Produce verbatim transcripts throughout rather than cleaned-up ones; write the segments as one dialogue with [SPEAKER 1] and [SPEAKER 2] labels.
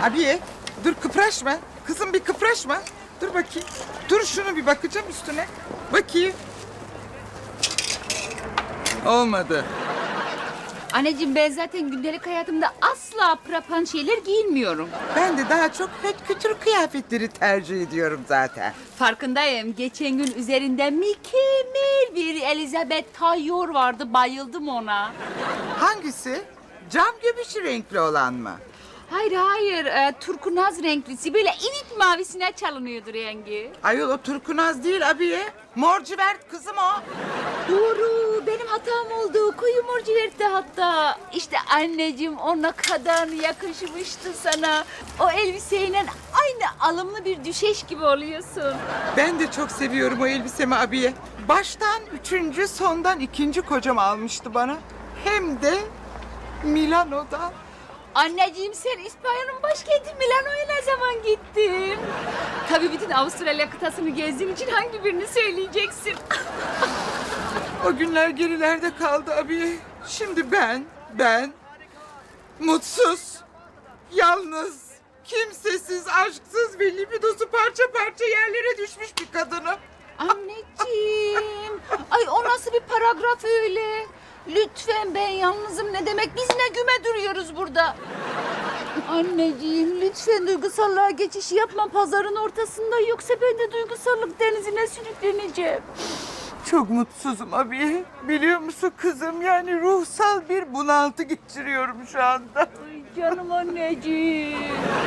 [SPEAKER 1] Abiye dur kıpraşma. Kızım bir kıpraşma. Dur bakayım. Dur şunu bir bakacağım üstüne. Bakayım. Olmadı.
[SPEAKER 2] Anneciğim ben zaten gündelik hayatımda asla prapan şeyler giyinmiyorum.
[SPEAKER 1] Ben de daha çok höt kütür kıyafetleri tercih ediyorum zaten.
[SPEAKER 2] Farkındayım. Geçen gün üzerinde mükemmel bir Elizabeth Taylor vardı. Bayıldım ona.
[SPEAKER 1] Hangisi? Cam göbüşü renkli olan mı?
[SPEAKER 2] Hayır hayır. E, turkunaz renklisi. Böyle ivit mavisine çalınıyordu rengi.
[SPEAKER 1] Ayol o turkunaz değil abiye. Morcivert kızım o.
[SPEAKER 2] Doğru. Benim hatam oldu. Koyu morcivertti hatta. İşte anneciğim o ne kadar yakışmıştı sana. O elbiseyle aynı alımlı bir düşeş gibi oluyorsun.
[SPEAKER 1] Ben de çok seviyorum o elbisemi abiye. Baştan üçüncü, sondan ikinci kocam almıştı bana. Hem de Milano'dan.
[SPEAKER 2] Anneciğim sen İspanya'nın başkenti Milano'ya ne zaman gittin? Tabii bütün Avustralya kıtasını gezdiğin için hangi birini söyleyeceksin?
[SPEAKER 1] O günler gerilerde kaldı abiye. Şimdi ben, ben mutsuz, yalnız, kimsesiz, aşksız ve libidosu parça parça yerlere düşmüş bir kadınım.
[SPEAKER 2] Anneciğim. Ay o nasıl bir paragraf öyle? Lütfen ben yalnızım ne demek? Biz ne güme duruyoruz burada? Anneciğim lütfen duygusallığa geçiş yapma pazarın ortasında. Yoksa ben de duygusallık denizine sürükleneceğim.
[SPEAKER 1] Çok mutsuzum abiye. Biliyor musun kızım, yani ruhsal bir bunaltı geçiriyorum şu anda.
[SPEAKER 2] Ay canım anneciğim.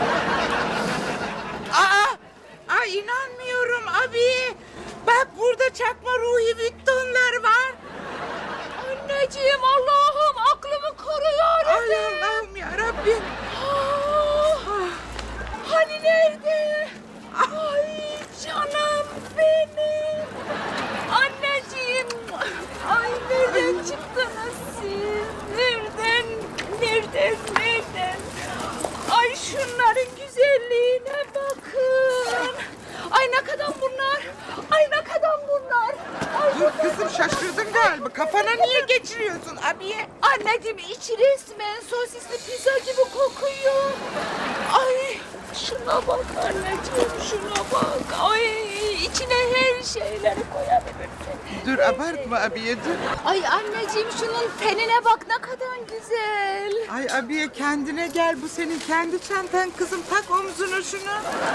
[SPEAKER 1] Aa, ay inanmıyorum abiye. Bak burada çakma Ruhi Vuitton'lar var.
[SPEAKER 2] Anneciğim Allah'ım aklımı koru
[SPEAKER 1] Ay
[SPEAKER 2] yarabbim.
[SPEAKER 1] Allah'ım yarabbim.
[SPEAKER 2] Ah, hani nerede? Ay canım benim. Anneciğim. Ay nereden çıktınız siz? Nereden? Nereden? Nereden? Ay şunların güzelliğine bakın. Ay ne kadar bunlar? Ay ne kadar bunlar? Ay
[SPEAKER 1] Dur kızım, şaşırdın galiba. Kafana niye geçiriyorsun abiye?
[SPEAKER 2] anneciğim içi resmen sosisli pizza gibi kokuyor. Ay şuna bak anneciğim şuna bak. Ay içine her şeyleri koyabilirsin.
[SPEAKER 1] Dur abartma abiye dur.
[SPEAKER 2] Ay anneciğim şunun tenine bak ne kadar güzel.
[SPEAKER 1] Ay abiye kendine gel, bu senin kendi çantan kızım. Tak omzuna şunu.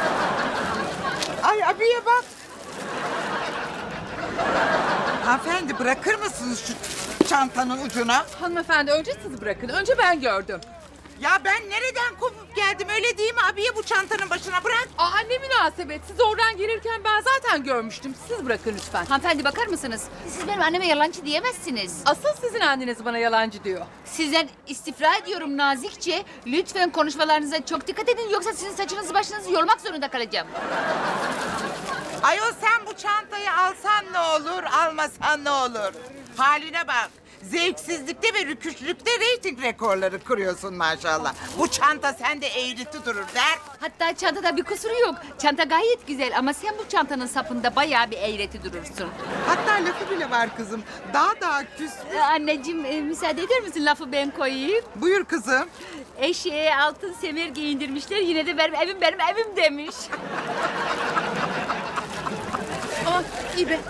[SPEAKER 1] Ay abiye bak. Hanımefendi bırakır mısınız şu çantanın ucuna?
[SPEAKER 3] Hanımefendi önce siz bırakın. Önce ben gördüm.
[SPEAKER 1] Ya ben nereden kopup geldim, öyle değil mi abiye, bu çantanın başına bırak.
[SPEAKER 3] Aa ne münasebet. Siz oradan gelirken ben zaten görmüştüm. Siz bırakın lütfen.
[SPEAKER 2] Hanımefendi bakar mısınız? Siz benim anneme yalancı diyemezsiniz.
[SPEAKER 3] Asıl sizin anneniz bana yalancı diyor.
[SPEAKER 2] Sizden istifra ediyorum nazikçe. Lütfen konuşmalarınıza çok dikkat edin yoksa sizin saçınızı başınızı yolmak zorunda kalacağım.
[SPEAKER 1] Ayol sen bu çantayı alsan ne olur, almasan ne olur? Haline bak. Zevksizlikte ve rüküşlükte reyting rekorları kırıyorsun maşallah. Bu çanta sende eğriti durur der.
[SPEAKER 2] Hatta çantada bir kusuru yok. Çanta gayet güzel ama sen bu çantanın sapında bayağı bir eğreti durursun.
[SPEAKER 1] Hatta lafı bile var kızım. Daha daha küs.
[SPEAKER 2] Ee, anneciğim e, müsaade eder misin lafı ben koyayım?
[SPEAKER 1] Buyur kızım.
[SPEAKER 2] Eşeğe altın semer giyindirmişler yine de benim evim benim evim demiş.
[SPEAKER 3] Aa iyi be.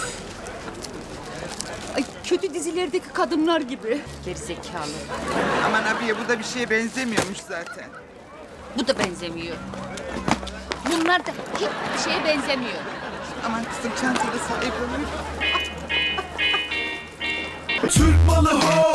[SPEAKER 2] Ay, kötü dizilerdeki kadınlar gibi. Gerizekalı.
[SPEAKER 1] Aman abiye bu da bir şeye benzemiyormuş zaten.
[SPEAKER 2] Bu da benzemiyor. Bunlar da hiçbir şeye benzemiyor.
[SPEAKER 1] Aman kızım çantada sahip olur.
[SPEAKER 4] Türk malı ho